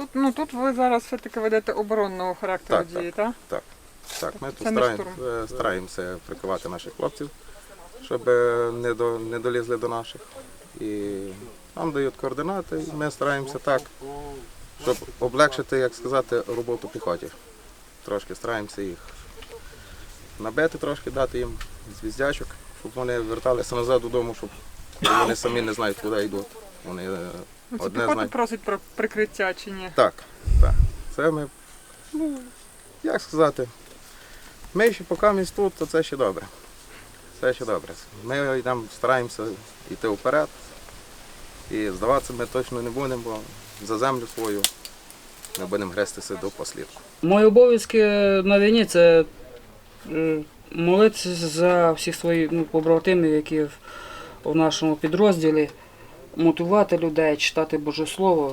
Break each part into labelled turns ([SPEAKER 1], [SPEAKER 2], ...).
[SPEAKER 1] тут ви зараз все-таки ведете оборонного характеру
[SPEAKER 2] Так,
[SPEAKER 1] дії, так?
[SPEAKER 2] Так, ми тут
[SPEAKER 1] Це не штурм.
[SPEAKER 2] стараємося прикривати наших хлопців, щоб не долізли до наших. І нам дають координати, і ми стараємося так, щоб облегшити, як сказати, роботу піхоті. Трошки стараємося їх набити, трошки дати їм звіздячок, щоб вони верталися назад додому, щоб вони самі не знають, куди йдуть. Вони
[SPEAKER 1] Це
[SPEAKER 2] одне
[SPEAKER 1] піхота
[SPEAKER 2] знають.
[SPEAKER 1] просить про прикриття чи ні?
[SPEAKER 2] Так. Це ми, як сказати, ми ще поки ми тут, то це ще добре. Це ще добре. Ми йдемо, стараємося йти вперед і здаватися ми точно не будемо, бо за землю свою ми будемо грестися до послідку.
[SPEAKER 3] Мої обов'язки на війні – це молитися за всіх своїх побратимів, які в нашому підрозділі, мотивувати людей, читати Боже Слово.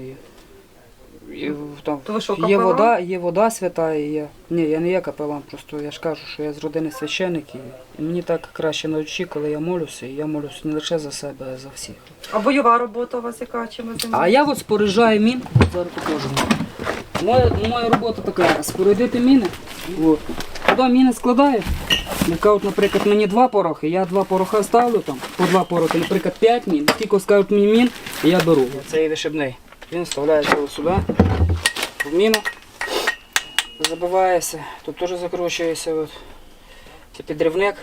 [SPEAKER 3] Там
[SPEAKER 4] То ви що,
[SPEAKER 3] є вода свята, і я не є капелан, просто я ж кажу, що я з родини священик, і мені так краще на очі, коли я молюся, і я молюся не лише за себе, а за всіх.
[SPEAKER 4] А бойова робота у вас яка? Чим ви
[SPEAKER 3] А
[SPEAKER 4] займаєтесь?
[SPEAKER 3] я от споряджаю мін, зараз покажу. Моя робота така, спорядити міни. От. Туди міни складаю. Наприклад, мені 2 порохи, я 2 пороха ставлю, там, по 2 порохи, наприклад, 5 мін. Скільки скажуть мені мін, і я беру. Цей вишибний. Він вставляється ось сюди, в міну, забивається, тут теж закручується. От. Це підривник.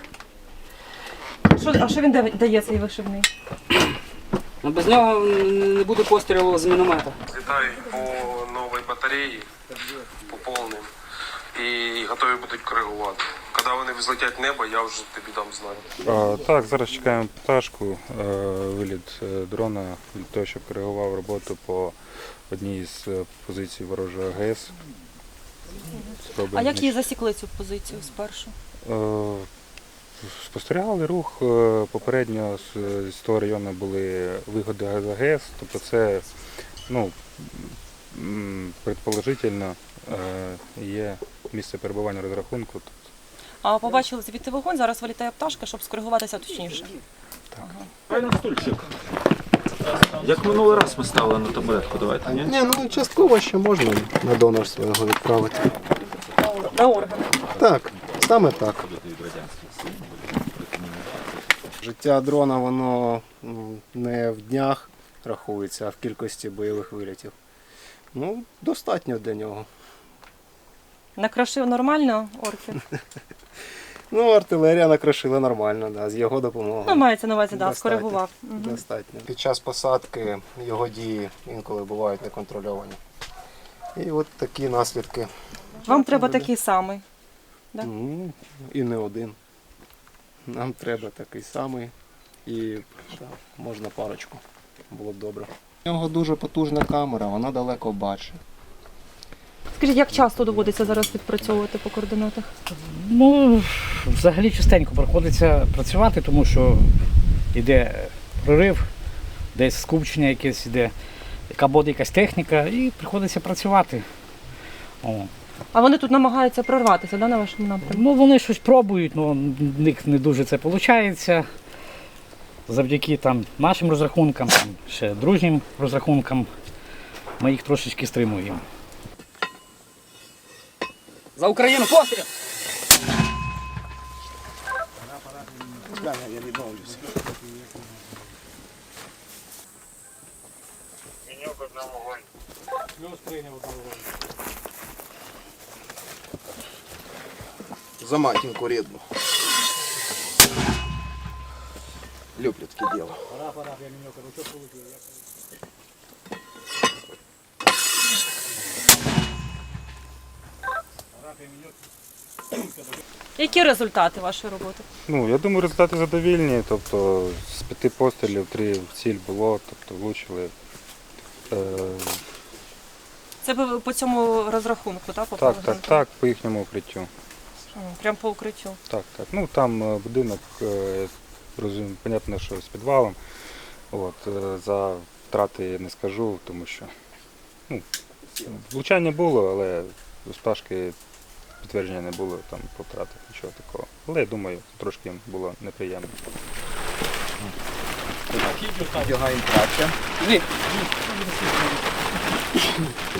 [SPEAKER 4] А що він дає цей вишивний?
[SPEAKER 3] Без нього не буде пострілу з міномета.
[SPEAKER 5] Летають по новій батареї, по повним, і готові будуть коригувати. Коли вони взлетять в небо, я вже тобі дам знати.
[SPEAKER 6] Так, зараз чекаємо пташку, виліт дрона для того, щоб коригував роботу по одній з позицій ворожого АГС.
[SPEAKER 7] А як її засікли цю позицію спершу?
[SPEAKER 6] Спостерігали рух, попередньо з того району були виходи з АГС, тобто це, предположительно, є місце перебування розрахунку.
[SPEAKER 7] А побачили звідти вогонь, зараз вилітає пташка, щоб скоригуватися точніше.
[SPEAKER 8] Правильно, стульчик. Як минулий раз ми ставили на табуретку, давайте, ні?
[SPEAKER 9] Ні, частково ще можна на донорство його відправити.
[SPEAKER 7] На органи.
[SPEAKER 9] Так, саме так. Життя дрона, воно не в днях рахується, а в кількості бойових вилітів. Достатньо для нього.
[SPEAKER 7] Накрошив нормально орків?
[SPEAKER 9] Артилерія накрошила нормально, да, з його допомогою.
[SPEAKER 7] Мається на увазі,
[SPEAKER 9] Достатньо.
[SPEAKER 7] скоригував.
[SPEAKER 9] Достатньо. Під час посадки його дії інколи бувають неконтрольовані. І от такі наслідки.
[SPEAKER 7] Вам треба такий самий. Да?
[SPEAKER 9] І не один. Нам треба такий самий і можна парочку. Було б добре. У нього дуже потужна камера, вона далеко бачить.
[SPEAKER 7] Скажіть, як часто доводиться зараз відпрацьовувати по координатах?
[SPEAKER 10] Взагалі частенько приходиться працювати, тому що йде прорив, десь скупчення якесь йде, яка буде якась техніка, і приходиться працювати.
[SPEAKER 7] А вони тут намагаються прорватися, на вашому напрямку?
[SPEAKER 10] Вони щось пробують, але в них не дуже це виходить. Завдяки нашим розрахункам, ще дружнім розрахункам, ми їх трошечки стримуємо.
[SPEAKER 3] За Україну, постріл!
[SPEAKER 9] Я відмовлюся.
[SPEAKER 2] За матінку рідну. Люблю таке діло.
[SPEAKER 7] Які результати вашої роботи?
[SPEAKER 6] Я думаю, результати задовільні, тобто з 5 пострілів 3 в ціль було, тобто влучили.
[SPEAKER 7] Це ви по цьому розрахунку, так? Попали?
[SPEAKER 6] Так, по їхньому укриттю.
[SPEAKER 7] Прямо по укриттю?
[SPEAKER 6] Так. Там будинок, понятно, що з підвалом. За втрати я не скажу, тому що влучання було, але з пташки підтвердження не було там по втратах, нічого такого. Але я думаю, трошки їм було неприємно.
[SPEAKER 2] Одягаємо краще.